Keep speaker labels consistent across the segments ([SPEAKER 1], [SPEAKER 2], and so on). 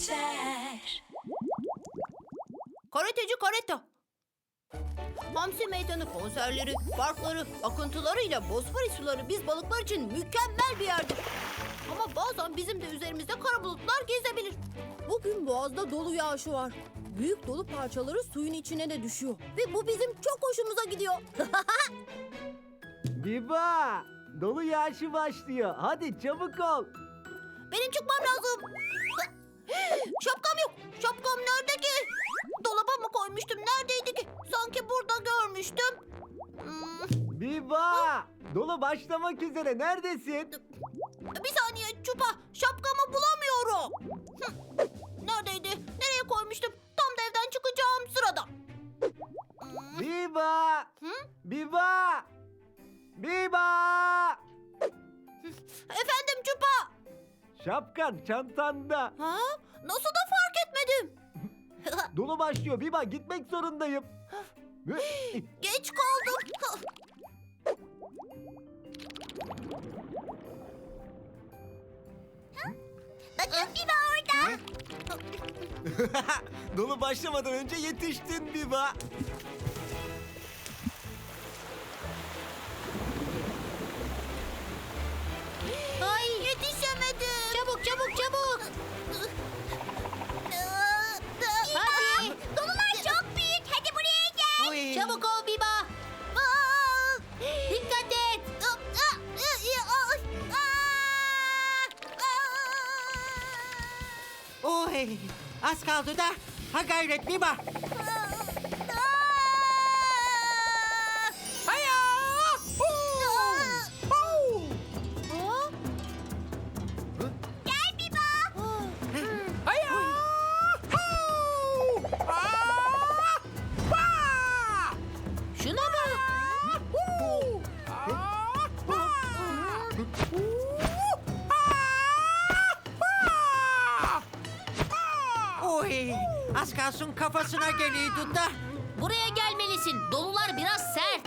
[SPEAKER 1] geçer.
[SPEAKER 2] Karateci Kareta. Hamsi Meydanı konserleri, parkları, akıntılarıyla Bosfor suları biz balıklar için mükemmel bir yerdir. Ama bazen bizim de üzerimizde kara bulutlar gezebilir. Bugün boğazda dolu yağışı var. Büyük dolu parçaları suyun içine de düşüyor. Ve bu bizim çok hoşumuza gidiyor.
[SPEAKER 3] Biba! Dolu yağışı başlıyor. Hadi çabuk ol.
[SPEAKER 2] Benim çıkmam lazım. Şapkam yok. Şapkam nerede ki? Dolaba mı koymuştum? Neredeydi ki? Sanki burada görmüştüm.
[SPEAKER 3] Biba! Dolu başlamak üzere. Neredesin?
[SPEAKER 2] Bir saniye Çupa. Şapkamı bulamıyorum. Neredeydi? Nereye koymuştum? Tam da evden çıkacağım sırada.
[SPEAKER 3] Biba!
[SPEAKER 2] Hı?
[SPEAKER 3] Biba! Biba!
[SPEAKER 2] Efendim Çupa.
[SPEAKER 3] Şapkan çantanda.
[SPEAKER 2] Ha? Nasıl da fark etmedim?
[SPEAKER 3] Dolu başlıyor. Biba gitmek zorundayım.
[SPEAKER 2] Geç kaldım. Bakın Biba orada.
[SPEAKER 3] Dolu başlamadan önce yetiştin Biba.
[SPEAKER 2] Ay yetişemedim. Çabuk çabuk çabuk. Hadi. Dolular çok büyük. Hadi buraya gel. Çabuk ol Biba. Dikkat et.
[SPEAKER 4] Oy, az kaldı da. Ha gayret Biba. Haya!
[SPEAKER 2] Gel Biba.
[SPEAKER 4] Haya!
[SPEAKER 2] Şuna bak.
[SPEAKER 4] Oy, az kalsın kafasına geliyordu da.
[SPEAKER 2] Buraya gelmelisin. Dolular biraz sert.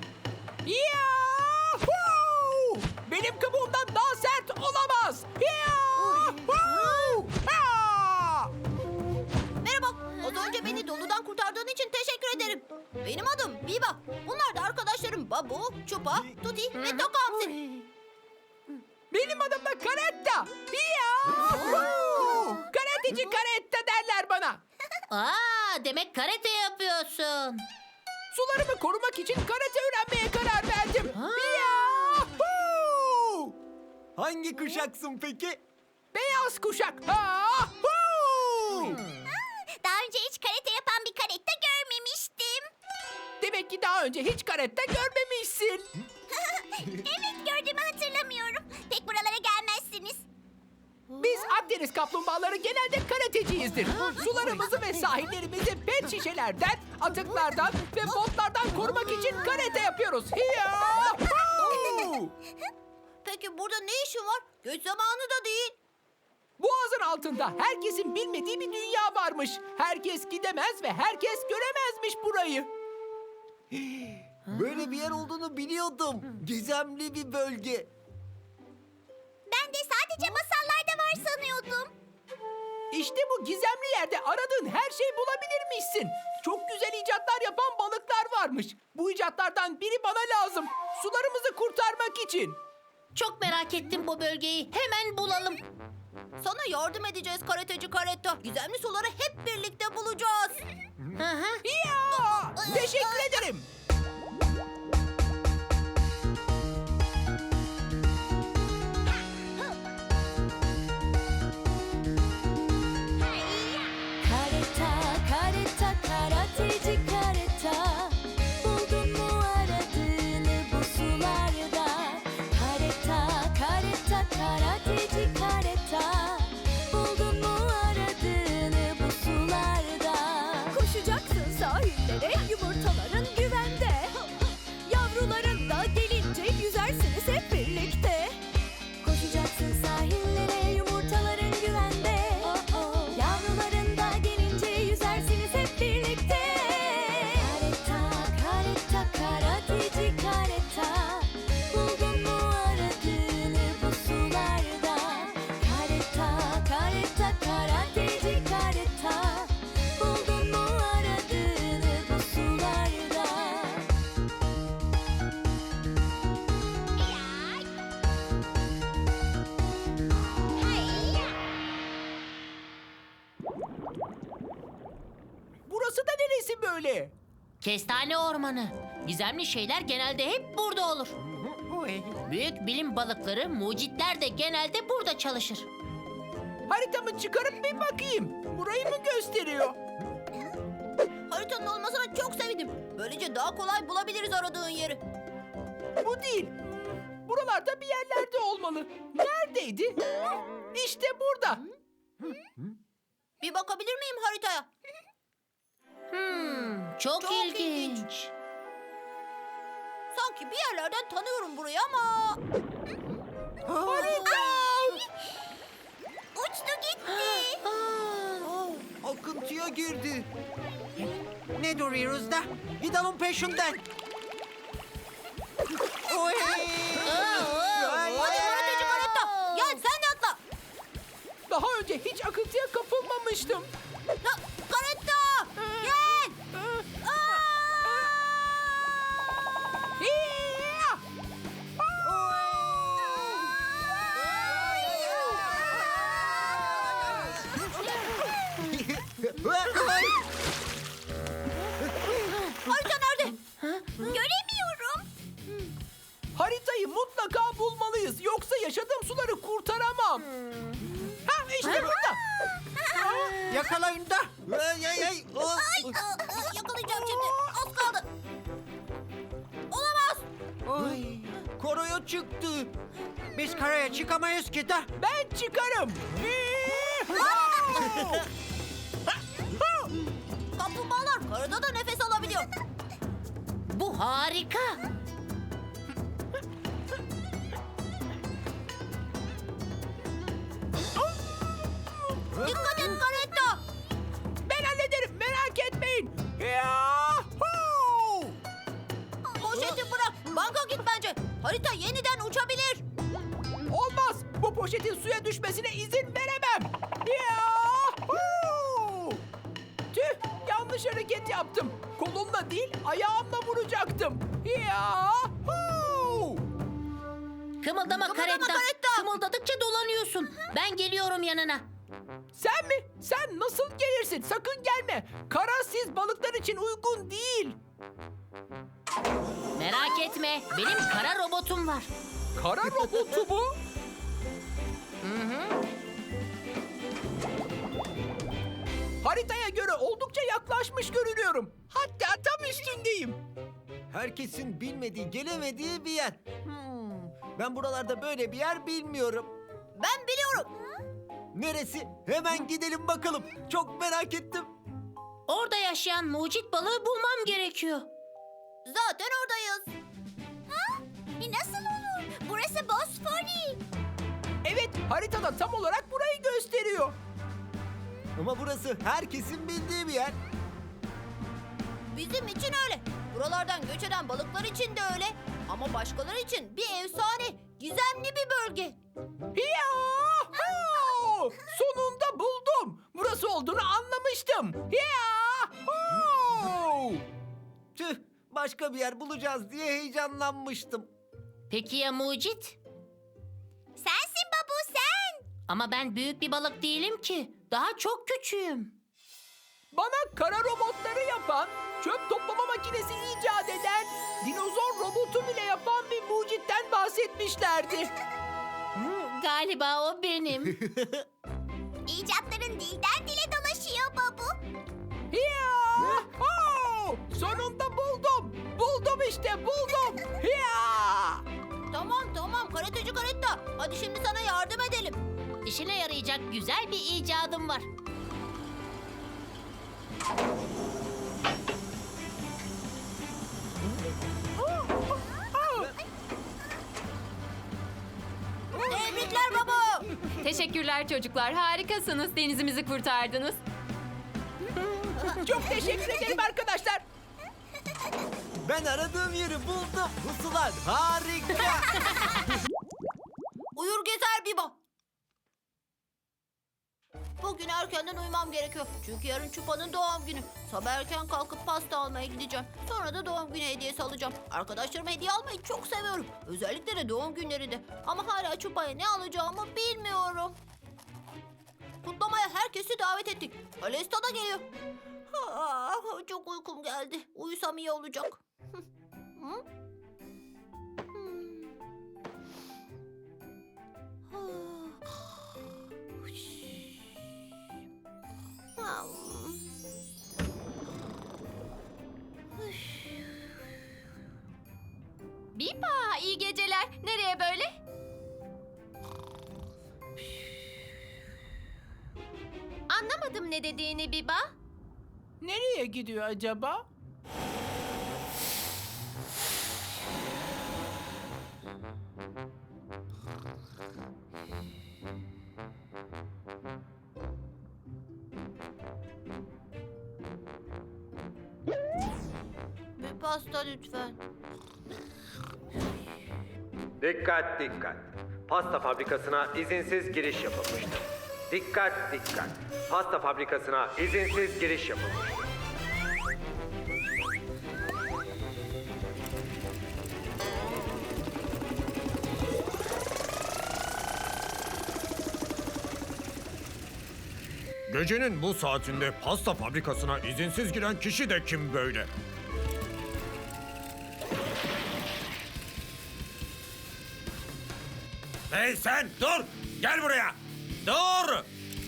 [SPEAKER 4] Yahoo! Benim kabuğumdan daha sert olamaz. Yahoo! Ha!
[SPEAKER 2] Merhaba. Az önce beni doludan kurtardığın için teşekkür ederim. Benim adım Biba. Bunlar da arkadaşlarım Babu, Çupa, Tuti ve Tokamsi.
[SPEAKER 4] Benim adım da Karetta. Yahoo! Karateci Karetta derler bana.
[SPEAKER 2] Aa, demek karate yapıyorsun.
[SPEAKER 4] Sularımı korumak için karate öğrenmeye karar verdim. Yahoo!
[SPEAKER 3] Hangi kuşaksın peki?
[SPEAKER 4] Beyaz kuşak. Yahoo!
[SPEAKER 2] Daha önce hiç karate yapan bir karate görmemiştim.
[SPEAKER 4] Demek ki daha önce hiç karetta görmemişsin.
[SPEAKER 2] Evet, gördüğümü hatırlamıyorum. Pek buralara gelmezsiniz.
[SPEAKER 4] Biz Akdeniz kaplumbağaları genelde karateciyizdir. Sularımızı ve sahillerimizi pet şişelerden, atıklardan ve botlardan korumak için karate yapıyoruz. Yahoo!
[SPEAKER 2] Peki burada ne işin var? Göç zamanı da değil.
[SPEAKER 4] Boğazın altında herkesin bilmediği bir dünya varmış. Herkes gidemez ve herkes göremezmiş burayı.
[SPEAKER 3] Böyle bir yer olduğunu biliyordum. Gizemli bir bölge.
[SPEAKER 2] Ben de sadece masallarda var sanıyordum.
[SPEAKER 4] İşte bu gizemli yerde aradığın her şeyi bulabilirmişsin. Çok güzel icatlar yapan balıklar varmış. Bu icatlardan biri bana lazım. Sularımızı kurtarmak için.
[SPEAKER 2] Çok merak ettim bu bölgeyi. Hemen bulalım. Sana yardım edeceğiz karateci Karetta. Gizemli suları hep birlikte bulacağız.
[SPEAKER 4] Ya! Teşekkür ederim.
[SPEAKER 1] Kareta, kareta, karateci kareta. Buldun mu aradığını bu sularda? Kareta, kareta, karateci kareta. Buldun mu aradığını bu sularda? Koşacaksın sahillere, yumurtaların güvende. Yavruların da gelince yüzersiniz hep birlikte. Koşacaksın sahillere, yumurtaların güvende. Yavruların da gelince yüzersiniz hep birlikte. Kareta, kareta, karateci kareta. Buldun mu aradığını bu sularda? Kareta, kareta, karateci
[SPEAKER 4] böyle?
[SPEAKER 5] Kestane ormanı. Gizemli şeyler genelde hep burada olur.
[SPEAKER 4] Oy.
[SPEAKER 5] Büyük bilim balıkları, mucitler de genelde burada çalışır.
[SPEAKER 4] Haritamı çıkarıp bir bakayım. Burayı mı gösteriyor?
[SPEAKER 2] Haritanın olmasına çok sevindim. Böylece daha kolay bulabiliriz aradığın yeri.
[SPEAKER 4] Bu değil. Buralarda bir yerlerde olmalı. Neredeydi? İşte burada.
[SPEAKER 2] Bir bakabilir miyim haritaya?
[SPEAKER 5] Çok,
[SPEAKER 2] Çok
[SPEAKER 5] ilginç.
[SPEAKER 2] Sanki bir yerlerden tanıyorum burayı ama...
[SPEAKER 4] Harita!
[SPEAKER 2] Uçtu gitti.
[SPEAKER 6] Akıntıya girdi. Ne duruyoruz da? Gidelim peşinden. Oy!
[SPEAKER 2] Hadi karateci karetta. Gel sen de atla.
[SPEAKER 4] Daha önce hiç akıntıya kapılmamıştım.
[SPEAKER 2] Ya, karetta. Gel.
[SPEAKER 4] Hiya!
[SPEAKER 2] Harita nerede? Göremiyorum.
[SPEAKER 4] Haritayı mutlaka bulmalıyız. Yoksa yaşadığım suları kurtaramam. Ha işte burada.
[SPEAKER 6] Yakalayın da. Ay, ay, ay. Oh.
[SPEAKER 2] Yakalayacağım şimdi. Az kaldı. Olamaz.
[SPEAKER 6] Ay, koroya çıktı. Biz karaya çıkamayız ki da.
[SPEAKER 4] Ben çıkarım.
[SPEAKER 2] Kaplumbağalar karada da nefes alabiliyor.
[SPEAKER 5] Bu harika.
[SPEAKER 2] Dikkat et karetta.
[SPEAKER 4] Ben hallederim, merak etmeyin. Yahoo!
[SPEAKER 2] Poşeti bırak. Banka git bence. Harita yeniden uçabilir.
[SPEAKER 4] Olmaz. Bu poşetin suya düşmesine izin veremem. Yahoo! Tüh, yanlış hareket yaptım. Kolumla değil, ayağımla vuracaktım. Yahoo!
[SPEAKER 5] Kımıldama karetta.
[SPEAKER 2] karetta.
[SPEAKER 5] Kımıldadıkça dolanıyorsun. Ben geliyorum yanına.
[SPEAKER 4] Sen mi? Sen nasıl gelirsin? Sakın gelme. Kara siz balıklar için uygun değil.
[SPEAKER 5] Merak etme. Benim kara robotum var.
[SPEAKER 4] Kara robotu bu. Haritaya göre oldukça yaklaşmış görünüyorum. Hatta tam üstündeyim.
[SPEAKER 6] Herkesin bilmediği, gelemediği bir yer. Ben buralarda böyle bir yer bilmiyorum.
[SPEAKER 2] Ben biliyorum.
[SPEAKER 6] Neresi? Hemen gidelim bakalım. Çok merak ettim.
[SPEAKER 5] Orada yaşayan mucit balığı bulmam gerekiyor.
[SPEAKER 2] Zaten oradayız. Nasıl olur? Burası Bosfori.
[SPEAKER 4] Evet, haritada tam olarak burayı gösteriyor.
[SPEAKER 6] Ama burası herkesin bildiği bir yer.
[SPEAKER 2] Bizim için öyle. Buralardan göç eden balıklar için de öyle. Ama başkaları için bir efsane, gizemli bir bölge.
[SPEAKER 4] Yahoo! Sonunda buldum. Burası olduğunu anlamıştım. Yahoo!
[SPEAKER 6] Tüh, başka bir yer bulacağız diye heyecanlanmıştım.
[SPEAKER 5] Peki ya mucit?
[SPEAKER 2] Sensin babu sen.
[SPEAKER 5] Ama ben büyük bir balık değilim ki. Daha çok küçüğüm.
[SPEAKER 4] Bana kara robotları yapan, çöp toplama makinesi icat eden, dinozor robotu bile yapan bir mucitten bahsetmişlerdi.
[SPEAKER 5] Galiba o benim.
[SPEAKER 2] İcatların dilden dile dolaşıyor babu.
[SPEAKER 4] Yahoo! Sonunda buldum. Buldum işte, buldum. Ya!
[SPEAKER 2] Tamam karateci karetta. Hadi şimdi sana yardım edelim.
[SPEAKER 5] İşine yarayacak güzel bir icadım var.
[SPEAKER 2] Tebrikler babu.
[SPEAKER 7] Teşekkürler çocuklar. Harikasınız. Denizimizi kurtardınız.
[SPEAKER 4] Çok teşekkür ederim arkadaşlar.
[SPEAKER 6] Ben aradığım yeri buldum. Bu sular harika.
[SPEAKER 2] Uyur gezer Biba. Bugün erkenden uyumam gerekiyor. Çünkü yarın Çupa'nın doğum günü. Sabah erken kalkıp pasta almaya gideceğim. Sonra da doğum günü hediyesi alacağım. Arkadaşlarıma hediye almayı çok seviyorum. Özellikle de doğum günlerinde. Ama hala Çupa'ya ne alacağımı bilmiyorum. Kutlamaya herkesi davet ettik. Alesta da geliyor. Çok uykum geldi. Uyusam iyi olacak. Hı?
[SPEAKER 7] Biba, iyi geceler. Nereye böyle? Anlamadım ne dediğini Biba.
[SPEAKER 4] Nereye gidiyor acaba?
[SPEAKER 2] Bir pasta lütfen.
[SPEAKER 8] Dikkat dikkat. Pasta fabrikasına izinsiz giriş yapılmıştır. Dikkat dikkat. Pasta fabrikasına izinsiz giriş yapılmıştır.
[SPEAKER 6] Gecenin bu saatinde pasta fabrikasına izinsiz giren kişi de kim böyle? Hey sen dur! Gel buraya! Dur!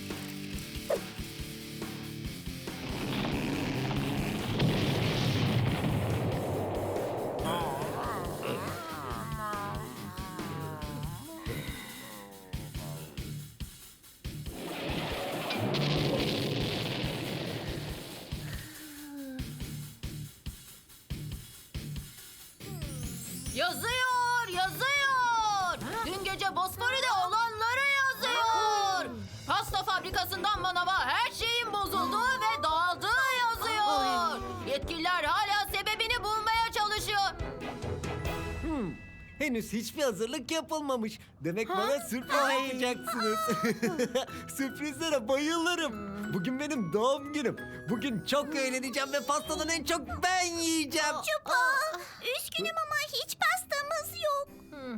[SPEAKER 2] Yazıyor, yazıyor. Dün gece Bosfor'da olanları yazıyor. Pasta fabrikasından manava her şeyin bozulduğu ve dağıldığı yazıyor. Yetkililer hala sebebini bulmaya çalışıyor.
[SPEAKER 6] Henüz hiçbir hazırlık yapılmamış. Demek bana sürpriz yapacaksınız. Sürprizlere bayılırım. Bugün benim doğum günüm. Bugün çok eğleneceğim ve pastadan en çok ben yiyeceğim.
[SPEAKER 2] Üzgünüm ama hiç pastamız yok.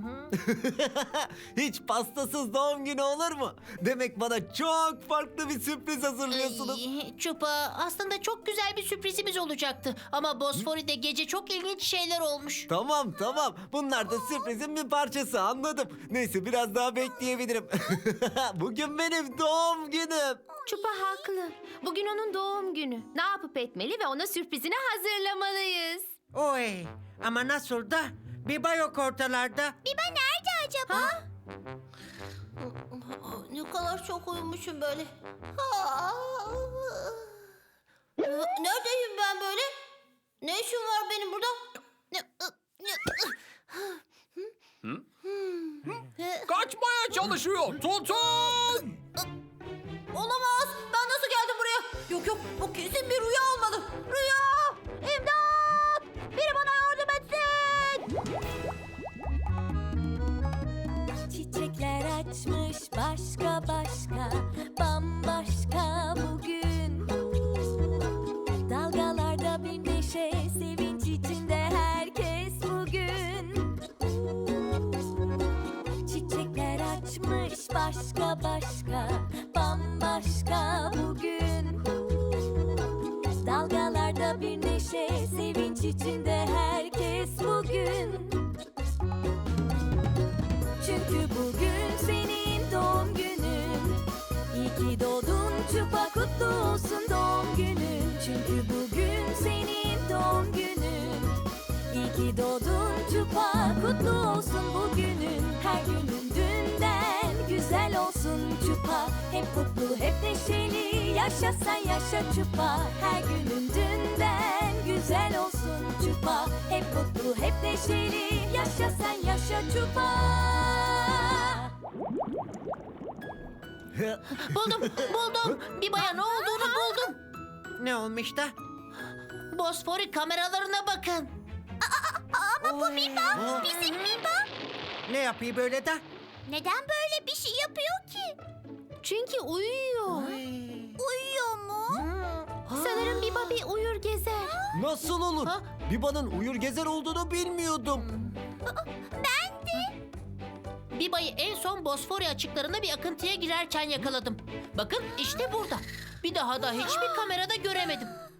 [SPEAKER 6] Hiç pastasız doğum günü olur mu? Demek bana çok farklı bir sürpriz hazırlıyorsunuz.
[SPEAKER 5] Çupa, aslında çok güzel bir sürprizimiz olacaktı. Ama Bosfori'de gece çok ilginç şeyler olmuş.
[SPEAKER 6] Tamam tamam. Bunlar da sürprizin bir parçası, anladım. Neyse biraz daha bekleyebilirim. Bugün benim doğum günüm.
[SPEAKER 7] Çupa haklı. Bugün onun doğum günü. Ne yapıp etmeli ve ona sürprizini hazırlamalıyız.
[SPEAKER 9] Oy, ama nasıl da? Biba yok ortalarda.
[SPEAKER 2] Biba nerede acaba? Ne kadar çok uyumuşum böyle. Neredeyim ben böyle? Ne işim var benim burada?
[SPEAKER 4] Kaçmaya çalışıyor. Tutun!
[SPEAKER 2] Olamaz. Ben nasıl geldim buraya? Yok yok, bu kesin bir rüya olmalı. Rüya! İmdat! Biri bana yardım etsin!
[SPEAKER 1] Çiçekler açmış başka başka, bambaşka bugün. Dalgalarda bir neşe, sevinç içinde herkes bugün. Çiçekler açmış başka başka, bambaşka bugün. Dalgalarda bir neşe, sevinç içinde herkes bugün. Çünkü bugün senin doğum günün. İyi ki doğdun Çupa, kutlu olsun doğum günün. Çünkü bugün senin doğum günün. İyi ki doğdun Çupa, kutlu olsun bugünün. Her günün dünden güzel olsun Çupa. Hep mutlu, hep neşeli, yaşa sen yaşa Çupa. Her günün dünden güzel olsun Çupa. Hep mutlu, hep neşeli, yaşa sen yaşa Çupa.
[SPEAKER 5] Buldum. Biba'ya ne olduğunu buldum.
[SPEAKER 9] Ne olmuş da?
[SPEAKER 5] Bosfori kameralarına bakın.
[SPEAKER 2] Ama bu Biba, bizim Biba.
[SPEAKER 9] Ne yapıyor böyle de?
[SPEAKER 2] Neden böyle bir şey yapıyor ki?
[SPEAKER 5] Çünkü uyuyor.
[SPEAKER 2] Uyuyor mu?
[SPEAKER 5] Sanırım Biba bir uyur gezer.
[SPEAKER 6] Nasıl olur?
[SPEAKER 5] Ha?
[SPEAKER 6] Biba'nın uyur gezer olduğunu bilmiyordum.
[SPEAKER 5] Biba'yı en son Bosfori açıklarında bir akıntıya girerken yakaladım. Bakın işte burada. Bir daha da hiçbir kamerada göremedim.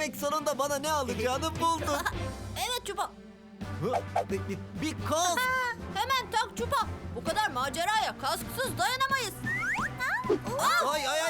[SPEAKER 6] Demek sonunda bana ne alacağını buldun.
[SPEAKER 2] Evet Çupa.
[SPEAKER 6] Bir kask.
[SPEAKER 2] Hemen tak Çupa. Bu kadar maceraya kasksız dayanamayız.
[SPEAKER 6] Ay ay